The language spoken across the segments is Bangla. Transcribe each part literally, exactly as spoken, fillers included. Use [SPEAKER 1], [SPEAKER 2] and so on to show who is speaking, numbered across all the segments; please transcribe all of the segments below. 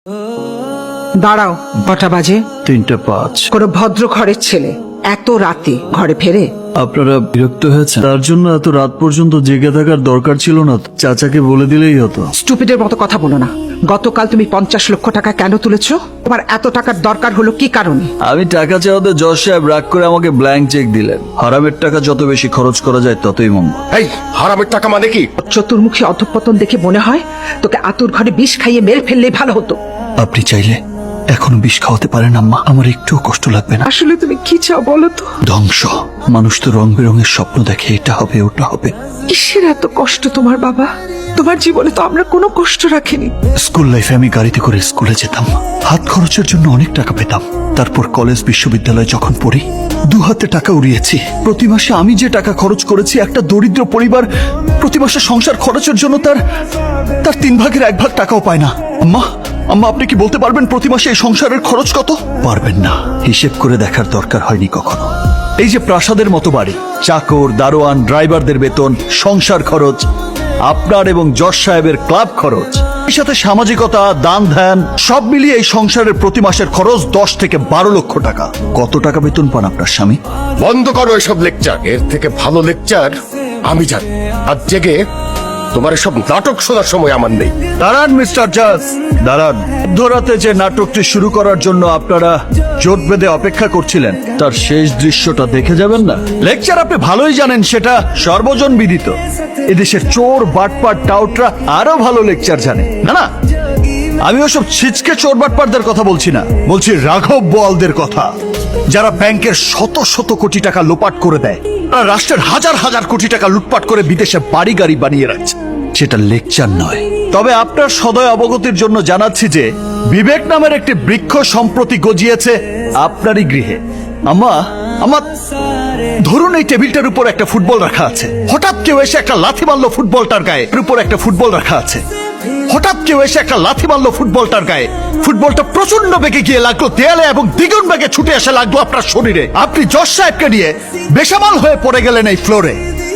[SPEAKER 1] দাঁড়াও, কটা বাজে?
[SPEAKER 2] তিনটা পাঁচ।
[SPEAKER 1] কোনো ভদ্র ঘরের ছেলে এত রাতে ঘরে ফেরে?
[SPEAKER 2] আপনারা বিরক্ত হয়েছেন? তার জন্য এত রাত পর্যন্ত জেগে থাকার দরকার ছিল না তো। চাচাকে বলে দিলেই হতো।
[SPEAKER 1] স্টুপিডের মতো কথা বলো না। গতকাল তুমি পঞ্চাশ লক্ষ টাকা কেন তুলেছো? তোমার এত টাকার দরকার হলো কি কারণে?
[SPEAKER 2] আমি টাকা চাওয়াতে জজ সাহেব রাগ করে আমাকে ব্ল্যাঙ্ক চেক দিলেন। হারামের টাকা যত বেশি খরচ করা যায় ততই মঙ্গল।
[SPEAKER 3] এই হারামের টাকা মানে কি?
[SPEAKER 1] চতুর্মুখী অধঃপতন দেখে মনে হয় তোকে আতুর ঘরে বিষ খাইয়ে মেরে ফেললে ভালো হতো।
[SPEAKER 2] আপনি চাইলে এখনো বিষ খাওয়াতে পারেন আম্মা, আমার একটুও কষ্ট লাগবে না।
[SPEAKER 1] আসলে তুমি কি চাও বলো তো?
[SPEAKER 2] ধ্বংস। মানুষ তো রং বেরঙের স্বপ্ন দেখে, এটা হবে ওটা হবে।
[SPEAKER 1] কিসের এত কষ্ট তোমার বাবা? তোমার জীবনে তো আমরা কোনো কষ্ট রাখিনি।
[SPEAKER 2] স্কুল লাইফে আমি গাড়িতে করে স্কুলে যেতাম, হাত খরচের জন্য অনেক টাকা পেতাম। তারপর কলেজ বিশ্ববিদ্যালয়ে যখন পড়ি, দু হাতে টাকা উড়িয়েছি। প্রতি মাসে আমি যে টাকা খরচ করেছি, একটা দরিদ্র পরিবার প্রতি মাসে সংসার খরচের জন্য তার তার তিন ভাগের এক ভাগ টাকাও পায় না। আম্মা আম্মা আপনি কি বলতে পারবেন প্রতি মাসে এই সংসারের খরচ কত? পারবেন না, হিসেব করে দেখার দরকার হয়নি কখনো। এই যে প্রাসাদের মতো বাড়ি, চাকর, দারোয়ান, ড্রাইভারদের বেতন, সংসার খরচ, আপনার এবং জজ সাহেবের ক্লাব খরচ, এর সাথে সামাজিকতা, দান ধ্যান, সব মিলিয়ে এই সংসারের প্রতি মাসের খরচ দশ থেকে বারো লক্ষ টাকা। কত টাকা বেতন পান আপনার স্বামী?
[SPEAKER 3] বন্ধ করো এসব লেকচার। এর থেকে ভালো লেকচার আমি জানি। আর জেগে তোমার এসব নাটক শোনার সময় আমার নেই।
[SPEAKER 2] দাঁড়ান মিস্টার জাজ, দাঁড়ান। মধ্যরাতে যে নাটকটি শুরু করার জন্য আপনারা জোট বেঁধে অপেক্ষা করছিলেন, তার শেষ দৃশ্যটা দেখে যাবেন না? লেকচার আপনি ভালোই জানেন, সেটা সর্বজন বিদিত। এদেশের চোর, বাটপার, টাউটরা আরো ভালো লেকচার জানে। না না, আমি ওসব ছিচকে চোর বাটপারদের কথা বলছি না, বলছি রাঘব বোয়ালদের কথা, যারা ব্যাংকের শত শত কোটি টাকা লোপাট করে দেয়, আর রাষ্ট্রের হাজার হাজার কোটি টাকা লুটপাট করে বিদেশে বাড়ি গাড়ি বানিয়ে রাখছে। সেটা লেকচার নয়। তবে আপনার সদয় অবগতির জন্য জানাচ্ছি যে বিবেক নামের একটি বৃক্ষ সম্প্রতি গজিয়েছে আপনারই গৃহে। আম্মা আমার ধরুন এই টেবিলটার উপর একটা ফুটবল রাখা আছে। হঠাৎ কেউ এসে একটা লাথি মারলো ফুটবলটার গায়ে। এর উপর একটা ফুটবল রাখা আছে। হঠাৎ কেউ এসে একটা লাথি মারলো ফুটবলটার গায়ে। ফুটবলটা প্রচন্ড বেগে গিয়ে লাগলো দেয়ালে এবং দ্বিগুণ বেগে ছুটে এসে লাগলো আপনার শরীরে। আপনি জজ সাহেবকে নিয়ে বেসামাল হয়ে পড়ে গেলেন এই ফ্লোরে।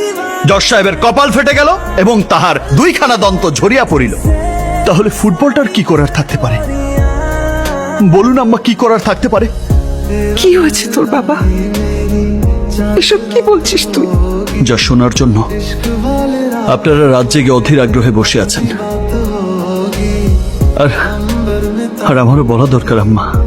[SPEAKER 2] জজ সাহেবের কপাল ফেটে গেল এবং তাহার দুইখানা দন্ত ঝরিয়া পড়িল। তাহলে ফুটবলটার কি করার থাকতে পারে? বলুন আম্মা, কি করার থাকতে পারে?
[SPEAKER 1] কি হয়েছে তোর বাবা? এসব কি বলছিস তুই?
[SPEAKER 2] যা শোনার জন্য আপনারা রাত জেগে অধীর আগ্রহে বসে আছেন। আর আর আমারও বলা দরকার আম্মা।